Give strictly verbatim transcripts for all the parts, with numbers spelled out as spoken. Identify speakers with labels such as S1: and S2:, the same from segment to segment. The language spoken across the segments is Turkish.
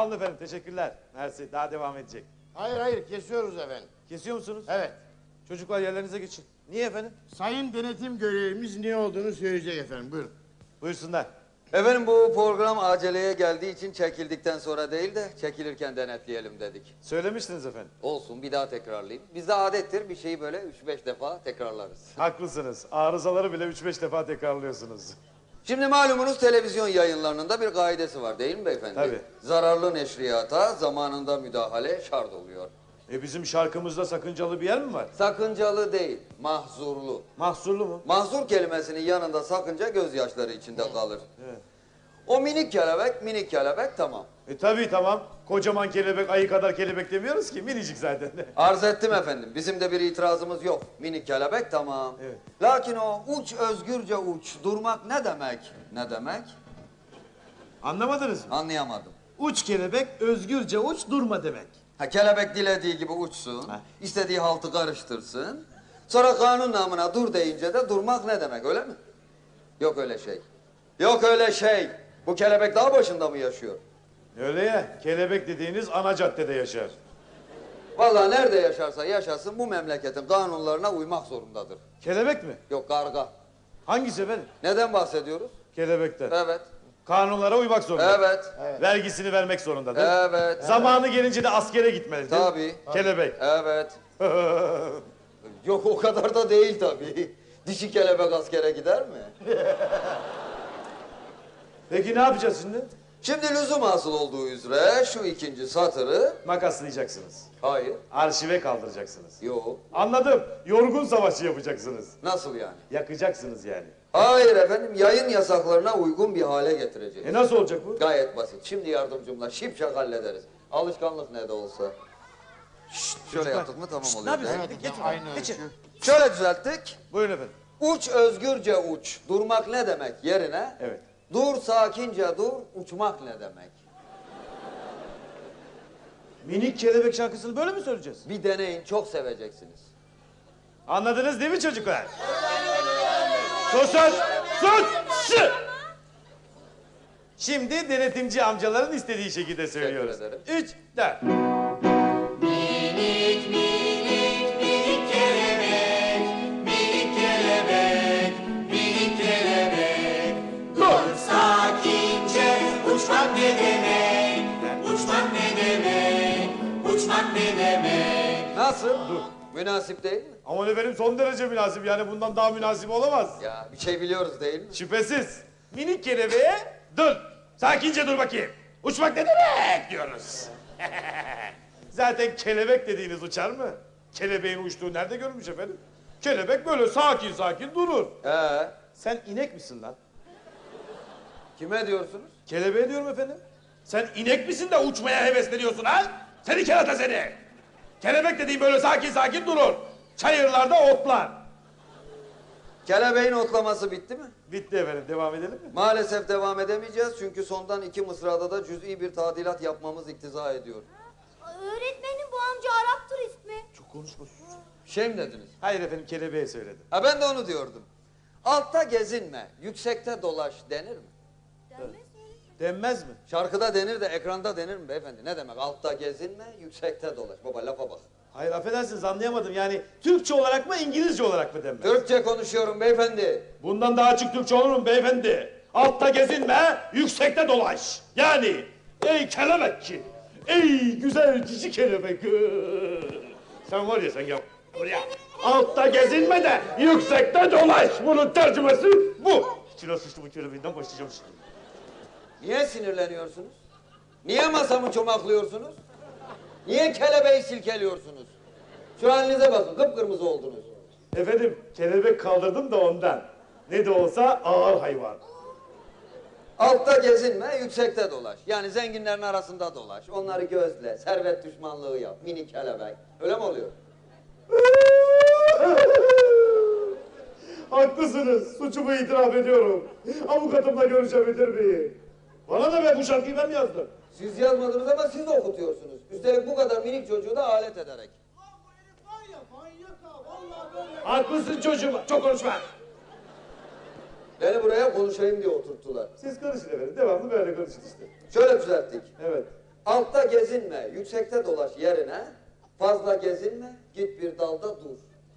S1: Sağ olun efendim, teşekkürler. Mersi, daha devam edecek.
S2: Hayır hayır, kesiyoruz efendim.
S1: Kesiyor musunuz?
S2: Evet.
S1: Çocuklar yerlerinize geçin. Niye efendim?
S2: Sayın denetim görevlimiz ne olduğunu söyleyecek efendim, buyurun.
S1: Buyursunlar.
S3: Efendim bu program aceleye geldiği için çekildikten sonra değil de çekilirken denetleyelim dedik.
S1: Söylemiştiniz efendim.
S3: Olsun, bir daha tekrarlayayım. Bizde adettir, bir şeyi böyle üç beş defa tekrarlarız.
S1: Haklısınız. Arızaları bile üç beş defa tekrarlıyorsunuz.
S3: Şimdi malumunuz televizyon yayınlarının da bir kaidesi var değil mi beyefendi?
S1: Tabii.
S3: Zararlı neşriyata zamanında müdahale şart oluyor.
S1: E bizim şarkımızda sakıncalı bir yer mi var?
S3: Sakıncalı değil, mahzurlu.
S1: Mahsurlu mu?
S3: Mahzur kelimesinin yanında sakınca gözyaşları içinde kalır.
S1: Evet.
S3: O minik kelebek, minik kelebek tamam.
S1: E tabii tamam. Kocaman kelebek, ayı kadar kelebek demiyoruz ki. Minicik zaten.
S3: Arz ettim efendim. Bizim de bir itirazımız yok. Minik kelebek tamam.
S1: Evet.
S3: Lakin o uç özgürce uç. Durmak ne demek? Ne demek?
S1: Anlamadınız mı?
S3: Anlayamadım.
S1: Uç kelebek, özgürce uç, durma demek.
S3: Ha, kelebek dilediği gibi uçsun.
S1: Ha.
S3: İstediği haltı karıştırsın. Sonra kanun namına dur deyince de durmak ne demek, öyle mi? Yok öyle şey. Yok öyle şey. Bu kelebek dağ başında mı yaşıyor?
S1: Öyle ya, kelebek dediğiniz ana caddede yaşar.
S3: Vallahi nerede yaşarsa yaşasın bu memleketin kanunlarına uymak zorundadır.
S1: Kelebek mi?
S3: Yok, karga.
S1: Hangisi efendim?
S3: Neden bahsediyoruz?
S1: Kelebekten.
S3: Evet.
S1: Kanunlara uymak zorunda.
S3: Evet.
S1: Vergisini vermek zorunda değil mi?
S3: Evet.
S1: Zamanı gelince de askere gitmeli değil mi?
S3: Tabii.
S1: Kelebek.
S3: Evet. Yok o kadar da değil tabii. Dişi kelebek askere gider mi?
S1: Peki ne yapacağız şimdi?
S3: Şimdi lüzum hasıl olduğu üzere şu ikinci satırı...
S1: Makaslayacaksınız.
S3: Hayır.
S1: Arşive kaldıracaksınız.
S3: Yok.
S1: Anladım. Yorgun savaşı yapacaksınız.
S3: Nasıl yani?
S1: Yakacaksınız yani.
S3: Hayır efendim, yayın yasaklarına uygun bir hale getireceğiz.
S1: E nasıl olacak bu?
S3: Gayet basit. Şimdi yardımcımla şipşak hallederiz. Alışkanlık ne de olsa. Şşt, şöyle yaptık mı tamam oluyor.
S1: Ne yapıyorsun?
S2: Evet,
S1: Geçin.
S2: aynı
S1: Geçin.
S2: ölçü.
S3: Şöyle düzelttik.
S1: Buyurun efendim.
S3: Uç özgürce uç. Durmak ne demek yerine?
S1: Evet.
S3: Dur sakince dur, uçmak ne demek?
S1: Minik kelebek şarkısını böyle mi söyleyeceğiz?
S3: Bir deneyin, çok seveceksiniz.
S1: Anladınız değil mi çocuklar? Susun! Sus! Şı! Şimdi denetimci amcaların istediği şekilde söylüyoruz.
S3: ederim.
S1: Üç, dört.
S4: Minik minik minik kelebek, minik kelebek, minik kelebek. Dur sakince, uçmak ne demek? Uçmak ne demek? Uçmak ne demek?
S3: Nasıl? Dur. Münasip değil mi?
S1: Aman efendim son derece münasip, yani bundan daha münasip olamaz.
S3: Ya bir şey biliyoruz değil mi?
S1: Şüphesiz. Minik kelebeğe dur. Sakince dur bakayım. Uçmak ne demek diyoruz. Zaten kelebek dediğiniz uçar mı? Kelebeğin uçtuğu nerede görülmüş efendim? Kelebek böyle sakin sakin durur.
S3: Ee,
S1: Sen inek misin lan?
S3: kime diyorsunuz?
S1: Kelebeğe diyorum efendim. Sen inek misin de uçmaya hevesleniyorsun ha? Seni kerata seni. Kelebek dediğin böyle sakin sakin durur. Çayırlarda otlar.
S3: Kelebeğin otlaması bitti mi?
S1: Bitti efendim, devam edelim mi?
S3: Maalesef devam edemeyeceğiz çünkü sondan iki mısrada da cüz'i bir tadilat yapmamız iktiza ediyor.
S5: Öğretmenim bu amca Arap turist mi?
S1: Çok konuşma.
S3: Şey mi dediniz?
S1: Hayır efendim, kelebeğe söyledim.
S3: Ha ben de onu diyordum. Altta gezinme, yüksekte dolaş denir mi?
S5: Denmez mi?
S1: Denmez mi?
S3: Şarkıda denir de ekranda denir mi beyefendi? Ne demek? Altta gezinme, yüksekte dolaş. Baba lafa bak.
S1: Hayır affedersiniz, anlayamadım. Yani Türkçe olarak mı, İngilizce olarak mı denmez?
S3: Türkçe konuşuyorum beyefendi.
S1: Bundan daha açık Türkçe olur mu beyefendi? Altta gezinme, yüksekte dolaş. Yani ey kelebekçi, ey güzel cici kelebek. Sen var ya sen ya buraya. Altta gezinme de yüksekte dolaş. Bunun tercümesi bu. İçine sıçtı bu kelebeğinden başlayacağım şimdi.
S3: Niye sinirleniyorsunuz? Niye masamı çomaklıyorsunuz? Niye kelebeği silkeliyorsunuz? Şu halinize bakın, kıpkırmızı oldunuz.
S1: Efendim kelebek kaldırdım da ondan. Ne de olsa ağır hayvan.
S3: Altta gezinme, yüksekte dolaş. Yani zenginlerin arasında dolaş. Onları gözle, servet düşmanlığı yap. Mini kelebek. Öyle mi oluyor?
S1: Haklısınız. Suçumu itiraf ediyorum. Avukatımla görüşebilir miyim? Bana da be, bu şarkıyı ben yazdım.
S3: Siz yazmadınız ama siz okutuyorsunuz. Üstelik bu kadar minik çocuğu da alet ederek.
S1: Haklısın çocuğum. Çok konuşma.
S3: Beni buraya konuşayım diye oturttular.
S1: Siz konuşun efendim. Devamlı böyle konuşun işte.
S3: Şöyle düzelttik.
S1: Evet.
S3: Altta gezinme, yüksekte dolaş yerine. Fazla gezinme, git bir dalda dur.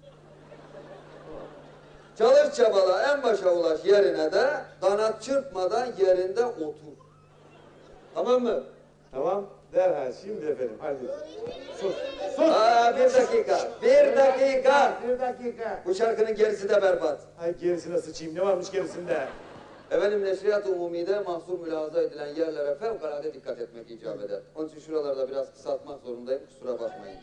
S3: Çalış çabala en başa ulaş yerine de kanat çırpmadan yerinde otur. Tamam mı?
S1: Tamam. Derhal şimdi efendim. Hadi. Sus. Sus.
S3: Aa, bir dakika, bir dakika.
S2: Bir dakika.
S3: Bu şarkının gerisi de berbat.
S1: Ay gerisine sıçayım. Ne varmış gerisinde?
S3: Efendim Neşriyat-ı Umumi'de mahsur mülahaza edilen yerlere fevkalade dikkat etmek icap eder. Onun için şuralarda biraz kısaltmak zorundayım, kusura bakmayın.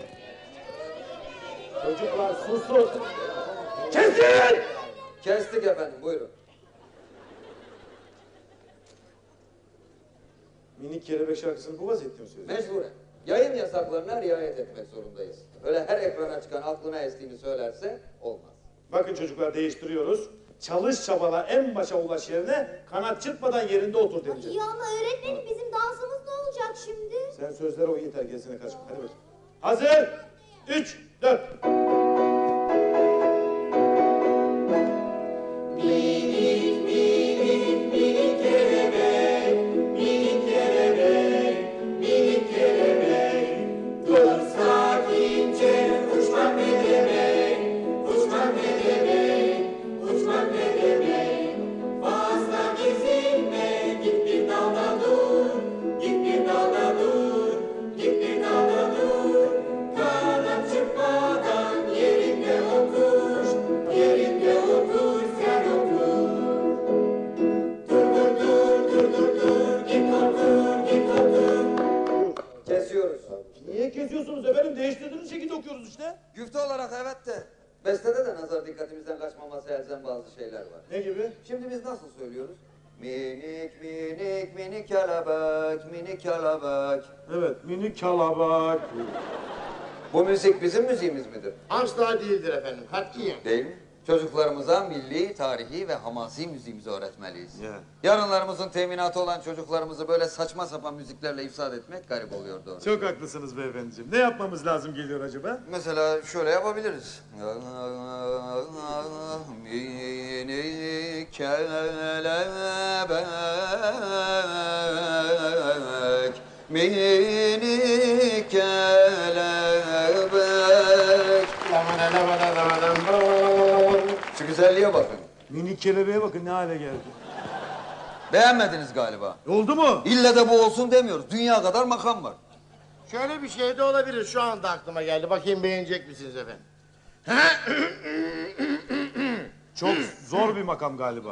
S1: Çocuklar susun. Kesin!
S3: Kestik efendim, buyurun.
S1: Minik kelebek şarkısını bu vaziyette mi söylüyorsun?
S3: Mecburen. Yayın yasaklarına riayet etmek zorundayız. Öyle her ekrana çıkan aklına estiğini söylerse olmaz.
S1: Bakın çocuklar değiştiriyoruz. Çalış çabala en başa ulaş yerine kanat çırpmadan yerinde otur deneyeceğiz.
S5: İyi ama öğretmenim bizim dansımız ne olacak şimdi?
S1: Sen sözlere o yeter gerisine kaçma. Hadi bakayım. Hazır. Üç, dört.
S4: Dur sakince uçmak ne demek, uçmak ne demek, uçmak ne demek. Fazla gezinme, git bir dalda dur, git bir dalda dur, git bir dalda dur. Kanat çırpmadan yerinde otur, yerinde otur, sen otur. Dur dur dur, dur dur dur, git otur, git otur.
S3: Kesiyoruz.
S1: Niye kesiyorsunuz efendim? Değiştirdiğiniz şekilde okuyoruz işte.
S3: Güfte olarak evet de. Bestede de nazar dikkatimizden kaçmaması elzem bazı şeyler var.
S1: Ne gibi?
S3: Şimdi biz nasıl söylüyoruz? Minik minik minik kelebek, minik kelebek.
S1: Evet, minik kelebek.
S3: Bu müzik bizim müziğimiz midir?
S2: Asla değildir efendim. Katiyen.
S3: Değil mi? Çocuklarımıza milli, tarihi ve hamasi müziğimizi öğretmeliyiz.
S1: Ya.
S3: Yarınlarımızın teminatı olan çocuklarımızı böyle saçma sapan müziklerle ifsad etmek garip oluyor doğru.
S1: Çok haklısınız beyefendiciğim. Ne yapmamız lazım geliyor acaba?
S3: Mesela şöyle yapabiliriz. Minik kelebek, minik kelebek. Şu güzelliğe bakın.
S1: Minik kelebeğe bakın ne hale geldi.
S3: Beğenmediniz galiba.
S1: Oldu mu?
S3: İlle de bu olsun demiyoruz. Dünya kadar makam var.
S2: Şöyle bir şey de olabilir. Şu anda aklıma geldi. Bakayım beğenecek misiniz efendim?
S1: Çok zor bir makam galiba.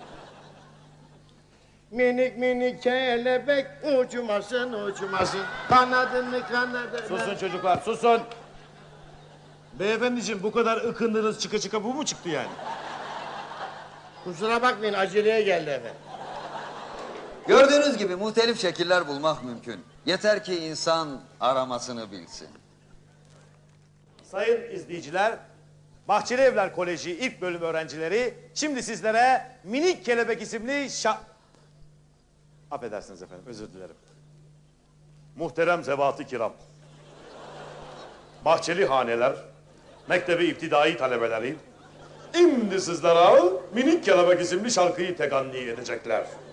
S2: Minik minik kelebek uçmasın uçmasın. Kanadını kanadını.
S1: Susun çocuklar, susun. Beyefendiciğim bu kadar ıkındınız çıka çıka bu mu çıktı yani?
S2: Kusura bakmayın aceleye geldi efendim.
S3: Gördüğünüz gibi muhtelif şekiller bulmak mümkün. Yeter ki insan aramasını bilsin.
S1: Sayın izleyiciler, Bahçeli Evler Koleji ilk bölüm öğrencileri şimdi sizlere Minik Kelebek isimli şa... Affedersiniz efendim, özür dilerim. Muhterem zevat-ı kiram. Bahçeli haneler, mektebi iptidai talebeleri, şimdi sizlere Minik Kelebek isimli şarkıyı teganni edecekler.